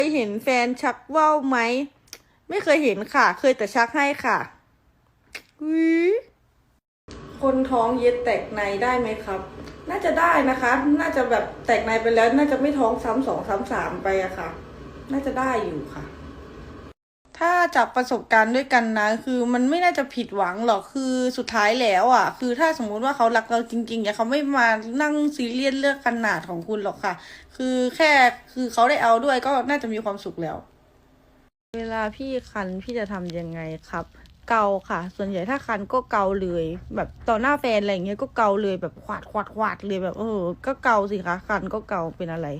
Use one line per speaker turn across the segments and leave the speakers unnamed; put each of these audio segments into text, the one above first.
ยเห็นแฟนชักว่าวไหมไม่เคยเห็นค่ะเคยแต่ชักให้ค่ะคนท้องเย็ดแตกในได้ไหมครับน่าจะได้นะคะน่าจะแบบแตกในไปแล้วน่าจะไม่ท้องซ้ำสองซ้ำสามไปอะค่ะน่าจะได้อยู่ค่ะถ้าจากประสบการณ์ด้วยกันนะคือมันไม่น่าจะผิดหวังหรอกคือสุดท้ายแล้วอ่ะคือถ้าสมมุติว่าเขารักเราจริงๆเนี่ยเขาไม่มานั่งซีเรียสเรื่องขนาดของคุณหรอกค่ะคือแค่คือเขาได้เอาด้วยก็น่าจะมีความสุขแล้วเวลาพี่คันพี่จะทำยังไงครับเกาค่ะส่วนใหญ่ถ้าคันก็เกาเลยแบบต่อหน้าแฟนอะไรอย่างเงี้ยก็เกาเลยแบบขวาดเลยแบบก็เกาสิคะคันก็เกาเป็นอะไร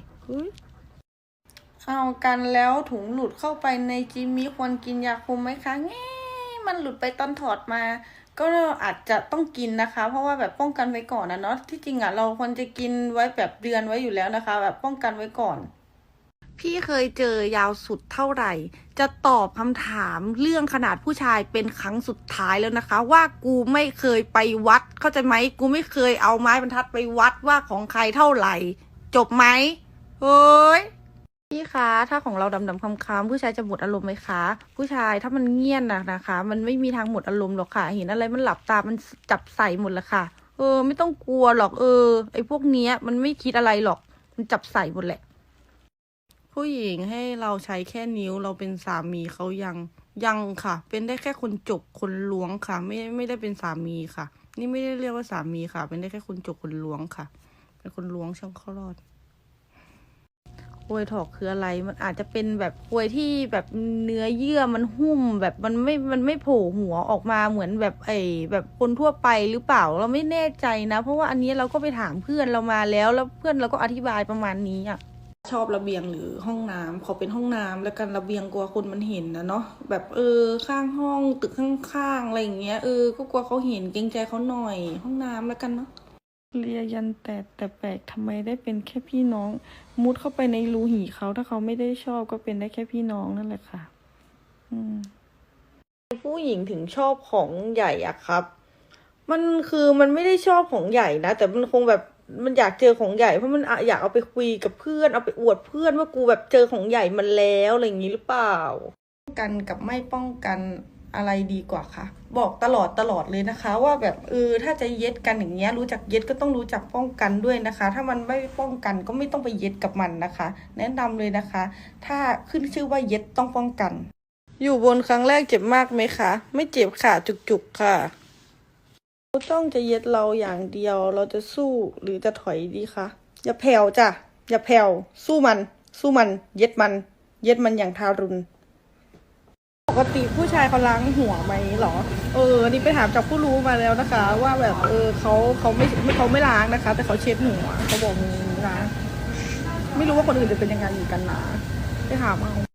เอากันแล้วถุงหลุดเข้าไปในจิมมี่ควรกินยาคุมไหมคะแง่มันหลุดไปตอนถอดมา ก็อาจจะต้องกินนะคะ เพราะว่าแบบป้องกันไว้ก่อนนะเนาะที่จริงอ่ะเราควรจะกินไว้แบบเดือนไว้อยู่แล้วนะคะ แบบป้องกันไว้ก่อนพี่เคยเจอยาวสุดเท่าไหร่จะตอบคำถามเรื่องขนาดผู้ชายเป็นครั้งสุดท้ายแล้วนะคะว่ากูไม่เคยไปวัดเข้าใจไหมกูไม่เคยเอาไม้บรรทัดไปวัดว่าของใครเท่าไหร่จบไหมเฮ้ยพี่คะถ้าของเราดำๆคำๆผู้ชายจะหมดอารมณ์ไหมคะผู้ชายถ้ามันเงียบนะคะมันไม่มีทางหมดอารมณ์หรอกค่ะเห็นอะไรมันหลับตามันจับใส่หมดละค่ะไม่ต้องกลัวหรอกไอ้พวกเนี้ยมันไม่คิดอะไรหรอกมันจับใส่หมดแหละผู้หญิงให้เราใช้แค่นิ้วเราเป็นสามีเขายังค่ะเป็นได้แค่คนจกคนล้วงค่ะไม่ได้เป็นสามีค่ะนี่ไม่ได้เรียกว่าสามีค่ะเป็นได้แค่คนจกคนล้วงค่ะเป็นคนล้วงช่องคลอดกล้วยถอกคืออะไรมันอาจจะเป็นแบบกล้วยที่แบบเนื้อเยื่อมันหุ้มแบบมันไม่โผล่หัวออกมาเหมือนแบบแบบคนทั่วไปหรือเปล่าเราไม่แน่ใจนะเพราะว่าอันนี้เราก็ไปถามเพื่อนเรามาแล้วเพื่อนเราก็อธิบายประมาณนี้อ่ะชอบระเบียงหรือห้องน้ำขอเป็นห้องน้ำแล้วกันระเบียงกลัวคนมันเห็นนะเนาะแบบข้างห้องตึกข้างๆอะไรอย่างเงี้ยก็กลัวเขาเห็นเกรงใจเขาหน่อยห้องน้ำแล้วกันเนาะเรียยันแต่แปลกทำไมได้เป็นแค่พี่น้องมุดเข้าไปในรูหีเขาถ้าเขาไม่ได้ชอบก็เป็นได้แค่พี่น้องนั่นแหละค่ะผู้หญิงถึงชอบของใหญ่อะครับมันไม่ได้ชอบของใหญ่นะแต่มันคงแบบมันอยากเจอของใหญ่เพราะมันอยากเอาไปคุยกับเพื่อนเอาไปอวดเพื่อนว่ากูแบบเจอของใหญ่มันแล้วอะไรอย่างนี้หรือเปล่าป้องกันกับไม่ป้องกันอะไรดีกว่าคะบอกตลอดเลยนะคะว่าแบบถ้าจะเย็ดกันอย่างเงี้ยรู้จักเย็ดก็ต้องรู้จักป้องกันด้วยนะคะ ถ้ามันไม่ป้องกันก็ไม่ต้องไปเย็ดกับมันนะคะ แนะนำเลยนะคะ ถ้าขึ้นชื่อว่าเย็ดต้องป้องกันอยู่บนครั้งแรกเจ็บมากไหมคะไม่เจ็บค่ะจุกๆค่ะเราต้องจะเย็ดเราอย่างเดียวเราจะสู้หรือจะถอยดีคะอย่าแผ่วจ้ะอย่าแผ่วสู้มันเย็ดมันอย่างทารุณปกติผู้ชายเขาล้างหัวไหมหรอนี่ไปถามจากผู้รู้มาแล้วนะคะ ว่าแบบเขาไม่ล้างนะคะ แต่เขาเช็ดหัวเขาบอกงี้นะไม่รู้ว่าคนอื่นจะเป็นยังไงอยู่กันนะไปถามเอา